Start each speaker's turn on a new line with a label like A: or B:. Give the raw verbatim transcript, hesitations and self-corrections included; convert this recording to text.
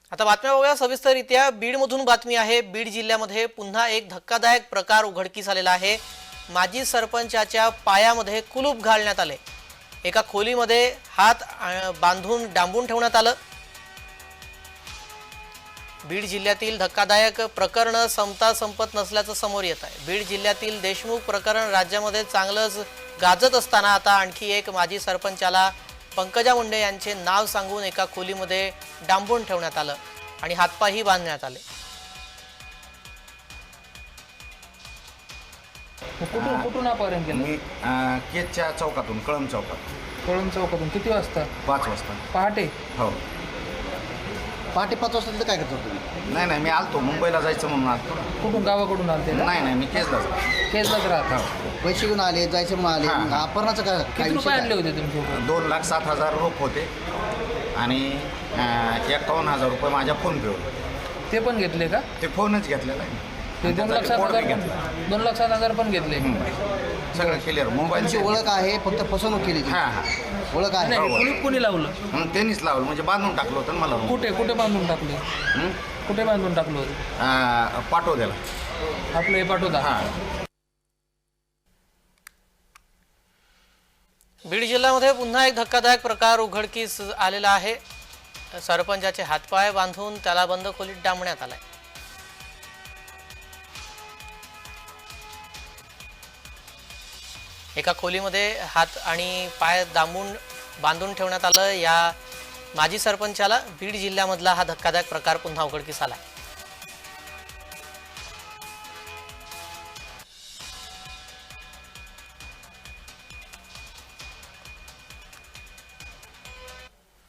A: आता बातम्या बघूया सविस्तररित्या। बीडमधून बातमी आहे। बीड जिल्ह्यामध्ये पुन्हा एक धक्कादायक प्रकार उघडकीस आलेला आहे। माजी सरपंचाच्या पायामध्ये कुलूप घालण्यात आले। एका खोलीमध्ये हात बांधून डांबून ठेवण्यात आलं। बीड जिल्ह्यातील धक्कादायक प्रकरण संपता संपत नसल्याचं समोर येत आहे। बीड जिल्ह्यातील देशमुख प्रकरण राज्यामध्ये चांगलंच गाजत असताना आता आणखी एक माजी सरपंचाला पंकजा मुंडे यांचे नाव सांगून एका खोलीमध्ये डांबून ठेवण्यात आलं आणि हातपायही बांधण्यात आले।
B: कुठून कुठून अपहरण केलं?
C: मी केजच्या चौकातून, कळम चौकात।
B: कळम चौकातून किती वाजता?
C: पाच वाजता
B: पहाटे?
C: हो,
D: पहाटे पाच वाजता तिथं काय करतो तुम्ही?
C: नाही नाही, मी आलतो मुंबईला जायचं म्हणून आलतो।
B: कुठून, गावाकडून आलते?
C: नाही नाही, मी केजला जातो।
B: केजलाच राहत?
C: हो,
D: पैसे घेऊन आले, जायचे म्हणून आले,
C: हां.
D: मग अपहरणाचं काय काय
B: किती रुपये
D: विषय
B: आणले
D: काय?
B: होते तुमच्या?
C: दोन लाख सात हजार रोख होते आणि एकावन्न हजार रुपये माझ्या फोन पेवर।
B: ते पण घेतले का?
C: ते फोनच घेतलेला आहे
B: ते
C: आणि
B: दोन
C: त्याचा
B: लाख सात
C: report
B: हजार
C: बी
B: पण
C: घेतला।
B: दोन लाख सात हजार पण घेतले?
C: सगळं क्लिअर, मोबाईल
D: तुमची ओळख आहे, फक्त फसवणूक केली ती.
C: हां हां,
D: ओळख आहे.
B: नाही, कुणी कुणी लावलं?
C: मग त्यांनीच लावलं, म्हणजे बांधून टाकलं होतं ना मला room.
B: कुठे कुठे बांधून टाकले?
C: हं?
B: कुठे बांधून टाकलं होतं?
C: आ, पाठवलेला।
B: आपलं हे पाठवता?
C: हां,
A: बीड जिल्ह्यामध्ये पुन्हा एक धक्कादायक प्रकार उघडकीस आलेला आहे। सरपंचाचे हातपाय बांधून त्याला बंद खोलीत डांबण्यात आलाय। एका खोलीमध्ये हात आणि पाय दांबून बांधून ठेवण्यात आलं। या माजी सरपंचाला बीड जिल्ह्यामधला हा धक्कादायक प्रकार पुन्हा उघडकीस आलाय।